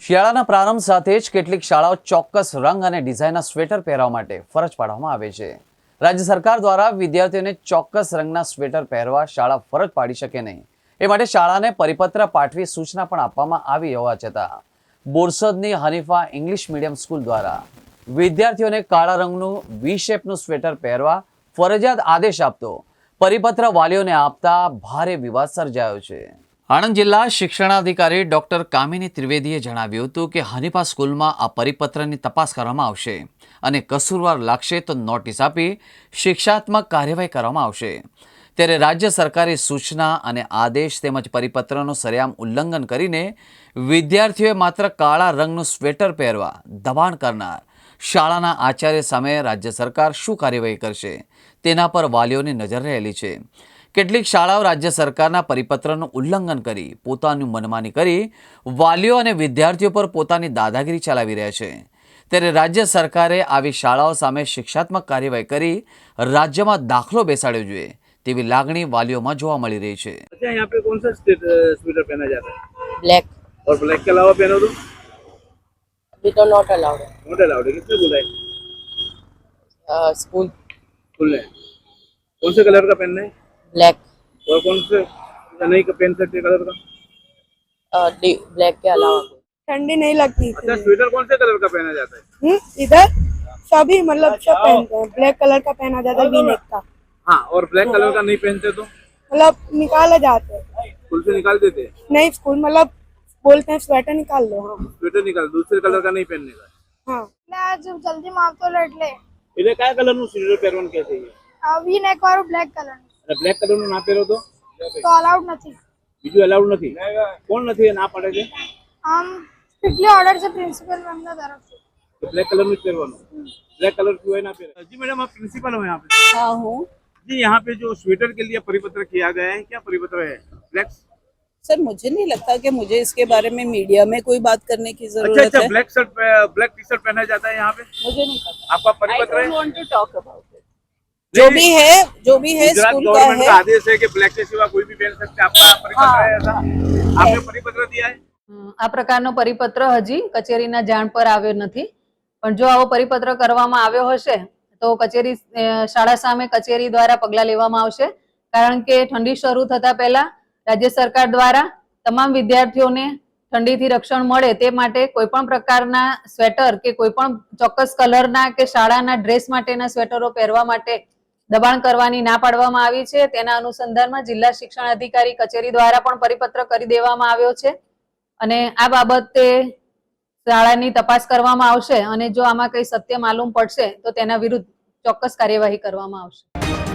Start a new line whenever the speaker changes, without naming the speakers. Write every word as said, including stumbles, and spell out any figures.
શિયાળાના પ્રારંભ સાથે જ કેટલીક શાળાઓ ચોક્કસ રંગ અને ડિઝાઇનના સ્વેટર પહેરવા માટે ફરજ પાડવામાં આવે છે। રાજ્ય સરકાર દ્વારા વિદ્યાર્થીઓને ચોક્કસ રંગના સ્વેટર પહેરવા શાળા ફરજ પાડી શકે નહીં એ માટે શાળાને પરિપત્ર પાઠવી સૂચના પણ આપવામાં આવી હોવા છતાં બોરસદની હનીફા ઇંગ્લિશ મીડિયમ સ્કૂલ દ્વારા વિદ્યાર્થીઓને કાળા રંગનું વી શેપનું સ્વેટર પહેરવા ફરજિયાત આદેશ આપતો પરિપત્ર વાલીઓને આપતા ભારે વિવાદ સર્જાયો છે। આણંદ જિલ્લા શિક્ષણાધિકારી ડોક્ટર કામિની ત્રિવેદીએ જણાવ્યું હતું કે હનીફા સ્કૂલમાં આ પરિપત્રની તપાસ કરવામાં આવશે અને કસૂરવાર લાગશે તો નોટિસ આપી શિક્ષાત્મક કાર્યવાહી કરવામાં આવશે। ત્યારે રાજ્ય સરકારે સૂચના અને આદેશ તેમજ પરિપત્રનું સરેઆમ ઉલ્લંઘન કરીને વિદ્યાર્થીઓએ માત્ર કાળા રંગનું સ્વેટર પહેરવા દબાણ કરનાર શાળાના આચાર્ય સામે રાજ્ય સરકાર શું કાર્યવાહી કરશે તેના પર વાલીઓની નજર રહેલી છે। કેટલીક શાળાઓ રાજ્ય સરકારના પરિપત્રનું ઉલ્લંઘન કરી પોતાનું મનમાની કરી વાલીઓ અને વિદ્યાર્થીઓ પર પોતાની દાદાગીરી ચલાવી રહ્યા છે। ત્યારે રાજ્ય સરકારે આવી શાળાઓ સામે શિક્ષાત્મક કાર્યવાહી કરી રાજ્યમાં દાખલો બેસાડવો જોઈએ તેવી લાગણી વાલીઓમાં જોવા મળી રહી છે।
अच्छा, यहाँ पे कौन सा स्वेटर पहना जाता है?
ब्लैक।
और ब्लैक के अलावा पहनो तो
अभी तो नॉट अलाउड है।
नॉट अलाउड है। किसने बोला है?
स्कूल
स्कूल ने। कौन से कलर का पहनना है?
ब्लैक।
और कौन से नहीं का पहन सकते कलर का?
ब्लैक के अलावा
ठंडी नहीं लगती।
अच्छा, स्वेटर कौन से कलर का पहना जाता है?
हम्म इधर सभी मतलब सब पहनते हैं। ब्लैक कलर का पहना जाता है वी नेक का।
हाँ, और ब्लैक कलर का नहीं पहनते तो
मतलब निकाले जाते हैं।
स्कूल से निकाल देते हैं।
नहीं स्कूल मतलब बोलते हैं स्वेटर निकाल लो। हाँ
स्वेटर निकाल, दूसरे कलर का नहीं पहनने का।
हाँ
आज जल्दी माप तो लट ले
એટલે કયા કલરનું સ્વેટર પહેરવાનું કહે છે?
વી નેક વાળું બ્લેક કલર
અને બ્લેક કલરનું ના પહેરો તો
તો અલાઉડ નથી।
બીજું અલાઉડ નથી? કોણ નથી એ ના પાડે છે?
આમ સ્ટ્રિક્ટલી ઓર્ડર છે પ્રિન્સિપલ મેમના તરફથી।
तो ब्लैक कलर में પહેરવાનું। ब्लैक कलर क्यों है ना पहने? जी मैडम, आप प्रिंसिपल हो यहाँ पे?
हाँ हूँ।
जी, यहाँ पे जो स्वेटर के लिए परिपत्र किया गया है, क्या परिपत्र है? ब्लैक।
सर मुझे नहीं लगता कि मुझे इसके बारे में मीडिया में कोई बात करने की
अच्छा
जरूरत
अच्छा,
है।
Black shirt, black T shirt पहना जाता है यहाँ पे?
मुझे नहीं पता।
आपका
I
परिपत्र
don't
है?
want to talk about it. जो भी है जो भी है
गुजरात
स्कूल का
गवर्नमेंट का
है।
आदेश है कि ब्लैक के सिवा कोई भी पहन सकते हैं। आपका परिपत्र है ऐसा? आपने परिपत्र दिया है?
આ પ્રકારનો પરિપત્ર હજી કચેરીના જાણ પર આવ્યો નથી, પણ જો આવો પરિપત્ર કરવામાં આવ્યો હશે તો કચેરી શાળા સામે કચેરી દ્વારા પગલાં લેવામાં આવશે। કારણ કે ઠંડી શરૂ થતા પહેલા રાજ્ય સરકાર દ્વારા તમામ વિદ્યાર્થીઓને ઠંડીથી રક્ષણ મળે તે માટે કોઈપણ પ્રકારના સ્વેટર કે કોઈપણ ચોક્કસ કલરના કે શાળાના ડ્રેસ માટેના સ્વેટરો પહેરવા માટે દબાણ કરવાની ના પાડવામાં આવી છે। તેના અનુસંધાનમાં જિલ્લા શિક્ષણ અધિકારી કચેરી દ્વારા પણ પરિપત્ર કરી દેવામાં આવ્યો છે અને આ બાબતે શાળાની તપાસ કરવામાં આવશે અને જો આમાં કંઈ સત્ય માલુમ પડશે તો તેના વિરુદ્ધ ચોક્કસ કાર્યવાહી કરવામાં આવશે।